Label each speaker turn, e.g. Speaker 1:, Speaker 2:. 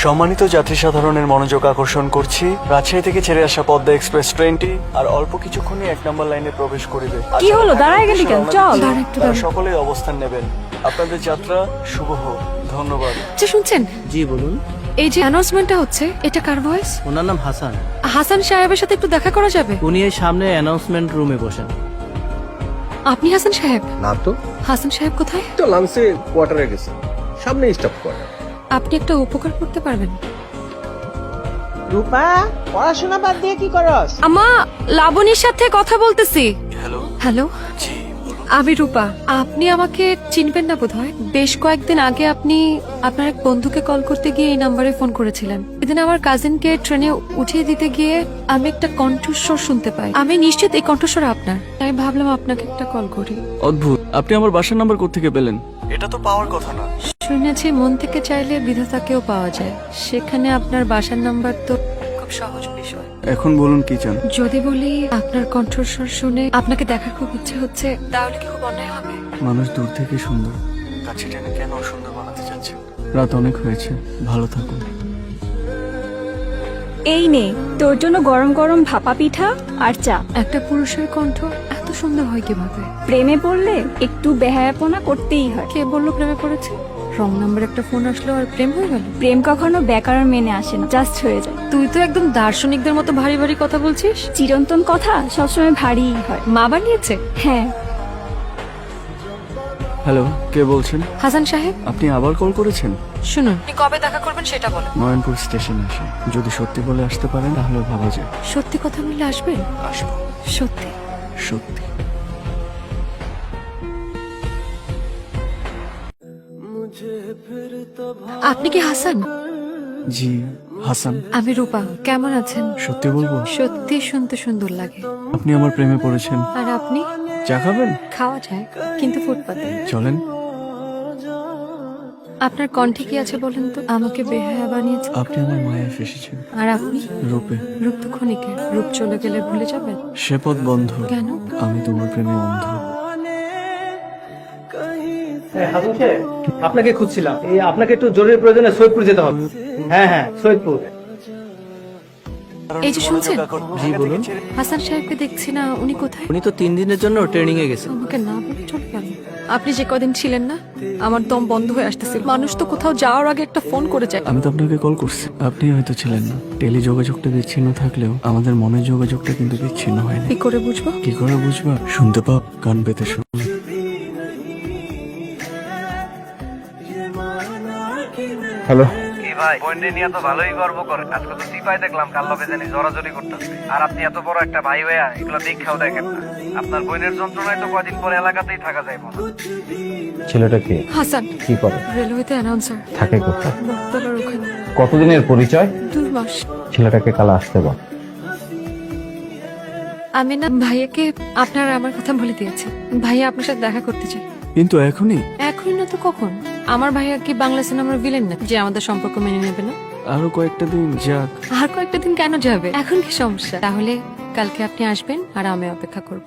Speaker 1: সম্মানিত যাত্রী সাধারণের মনোযোগ আকর্ষণ করছি, রাজশাহী থেকে ছেড়ে আসা পদ্মা এক্সপ্রেস ট্রেনটি আর অল্প কিছুক্ষণই ১ নম্বর লাইনে প্রবেশ করিবে।
Speaker 2: কি হলো, দাঁড়ায় গেলি কেন? চল।
Speaker 1: তারা সকলেই অবস্থান নেবেন। আপনাদের যাত্রা শুভ হোক। ধন্যবাদ।
Speaker 2: আচ্ছা শুনছেন,
Speaker 3: জি বলুন।
Speaker 2: এই যে অ্যানাউন্সমেন্টটা হচ্ছে, এটা কার ভয়েস?
Speaker 3: ওনার নাম হাসান।
Speaker 2: হাসান সাহেবের সাথে একটু দেখা করা যাবে?
Speaker 3: উনি এই সামনে অ্যানাউন্সমেন্ট রুমে বসেন।
Speaker 2: আপনি হাসান সাহেব?
Speaker 4: না তো,
Speaker 2: হাসান সাহেব কোথায়?
Speaker 4: তো লাঞ্চে কোয়ার্টারে গেছে, সামনে স্টাফ কোয়ার্টার।
Speaker 2: আপনি একটা উপকার করতে পারবেন?
Speaker 5: রূপা, পড়াশোনা বাদ দিয়ে কি করস?
Speaker 2: আমা, লাবণীর সাথে কথা বলতেছি।
Speaker 1: হ্যালো।
Speaker 2: হ্যালো,
Speaker 1: জি বলুন।
Speaker 2: আমি রূপা। আপনি আমাকে চিনবেন না বোধহয়। বেশ কয়েকদিন আগে আপনি আপনার এক বন্ধুকে কল করতে গিয়ে এই নাম্বারে ফোন করেছিলেন। এদিন আমার কাজিনকে ট্রেনে উঠিয়ে দিতে গিয়ে আমি একটা কণ্ঠস্বর শুনতে পাই। আমি নিশ্চিত এই কণ্ঠস্বর আপনার, তাই ভাবলাম আপনাকে একটা কল করি।
Speaker 1: অদ্ভুত, আপনি আমার বাসার নাম্বার কোত্থেকে পেলেন? এটা তো পাওয়ার কথা না।
Speaker 2: শুনেছি মন থেকে চাইলে বিধাতাকেও পাওয়া যায়, সেখানে আপনার বাসার নাম্বার তো খুব সহজ বিষয়।
Speaker 1: এখন বলুন কি চান?
Speaker 2: যদি বলি আপনার কণ্ঠস্বর শুনে আপনাকে দেখার খুব ইচ্ছে হচ্ছে, তাহলে কি খুব অন্যায় হবে?
Speaker 1: মানুষ দূর থেকে সুন্দর, কাছে টেনে কেন সুন্দর বানাতে চাচ্ছেন? রাত অনেক হয়েছে, ভালো থাকুন।
Speaker 6: এই নে তোর জন্য গরম গরম ভাপা পিঠা আর চা।
Speaker 2: একটা পুরুষের কণ্ঠ এত সুন্দর হয় কিভাবে?
Speaker 6: প্রেমে পড়লে একটু বেহায়াপনা করতেই হয়।
Speaker 2: কে বললো প্রেমে পড়েছে? রং নাম্বার একটা ফোন আসলো আর প্রেম হয়ে গেল?
Speaker 6: প্রেম কখনো ব্যাকরণ মেনে আসে না, জাস্ট হয়ে যায়।
Speaker 2: তুই তো একদম দার্শনিকদের মতো ভারী ভারী কথা বলছিস।
Speaker 6: চিরন্তন কথা সবসময় ভারীই হয়।
Speaker 2: মা বানিয়েছে?
Speaker 6: হ্যাঁ,
Speaker 1: হ্যালো, কে বলছেন?
Speaker 2: হাসান সাহেব,
Speaker 1: আপনি আবার কল করেছেন?
Speaker 2: শুনুন, আপনি কবে দেখা করবেন সেটা বলেন।
Speaker 1: নয়নপুর স্টেশনে আসে, যদি সত্যি বলে আসতে পারেন তাহলে ভাবা যায়।
Speaker 2: সত্যি কথা বললে আসবেন?
Speaker 1: আসবো,
Speaker 2: সত্যি?
Speaker 1: সত্যি।
Speaker 2: আপনি কি হাসান?
Speaker 1: জি, হাসান।
Speaker 2: আমি রূপা। কেমন আছেন?
Speaker 1: সত্যি বলবো,
Speaker 2: সত্যি শুনতে সুন্দর লাগে।
Speaker 1: আপনি আমার প্রেমে পড়েছেন।
Speaker 2: আর আপনি?
Speaker 1: চা খাবেন?
Speaker 2: খাওয়া যায়, কিন্তু ফুটপাতে।
Speaker 1: চলেন।
Speaker 2: আপনার কণ্ঠে কি আছে বলেন তো? আমাকে বেহায়া বানিয়েছে।
Speaker 1: আপনি আমার মায়া ফেসেছেন।
Speaker 2: আর আপনি?
Speaker 1: রূপে।
Speaker 2: রূপ তো ক্ষণিকের, রূপ চলে গেলে ভুলে যাবেন।
Speaker 1: সে পথ বন্ধ।
Speaker 2: কেন?
Speaker 1: আমি তোমার প্রেমে অন্ধ।
Speaker 3: হাসান সাহেব, আপনাকে খুঁজছিলাম। এই আপনাকে একটু জরুরি প্রয়োজনে সৈয়দপুর যেতে হবে। হ্যাঁ হ্যাঁ, সৈয়দপুর।
Speaker 2: এই যে শুনছেন?
Speaker 3: জি বলুন।
Speaker 2: হাসান সাহেবকে দেখছি না, উনি কোথায়?
Speaker 3: উনি তো 3 দিনের জন্য ট্রেনিং এ গেছেন।
Speaker 2: আমাকে না বলে চলে গেল। আপনি যে কদিন ছিলেন না, আমার দম বন্ধ হয়ে আসতেছিল। মানুষ তো কোথাও যাওয়ার আগে একটা ফোন করে যায়।
Speaker 1: আমি তো আপনাকে কল করছি, আপনি হয়তো ছিলেন না। টেলি যোগাযোগটা বিচ্ছিন্ন থাকলেও আমাদের মনের যোগাযোগটা কিন্তু বিচ্ছিন্ন হয়নি।
Speaker 2: কি করে বুঝবো?
Speaker 1: কি করে বুঝবা? শুনতে পাও, কান পেতে শোনো।
Speaker 4: হ্যালো,
Speaker 7: কি ভাই, বন্ডে নিয়ে তো ভালোই গর্ব করে। আজকে তো সিপাই দেখলাম কাল লবে জানি জড়াজড়ি করতেছে। আর আপনি এত বড় একটা ভাই হইয়া এগুলো দীক্ষাও দেখেন না। আপনার বোনের যন্ত্রণায় তো কদিন পরে এলাকাতেই থাকা যায় মনে হয়।
Speaker 4: ছেলেটা কে?
Speaker 2: হাসান
Speaker 4: কি করে?
Speaker 2: রেলওয়েতে অ্যানাউন্সার।
Speaker 4: থাকে কোথায়?
Speaker 2: বটতলার ওখানে।
Speaker 4: কতদিনের পরিচয়?
Speaker 2: 2 মাস।
Speaker 4: ছেলেটাকে কাল আসতে বল।
Speaker 2: আমি না ভাইয়াকে আপনার আমার কথা বলে দিয়েছি। ভাইয়া আপনার সাথে দেখা করতে চাই।
Speaker 1: কিন্তু এখনই?
Speaker 2: এখন না তো কখন? আমার ভাইয়া কি বাংলা সিনেমার ভিলেন না যে আমাদের সম্পর্ক মেনে নেবে না?
Speaker 1: আরো কয়েকটা দিন যাক।
Speaker 2: আর কয়েকটা দিন কেন যাবে? এখন কি সমস্যা? তাহলে কালকে আপনি আসবেন আর আমি অপেক্ষা করব।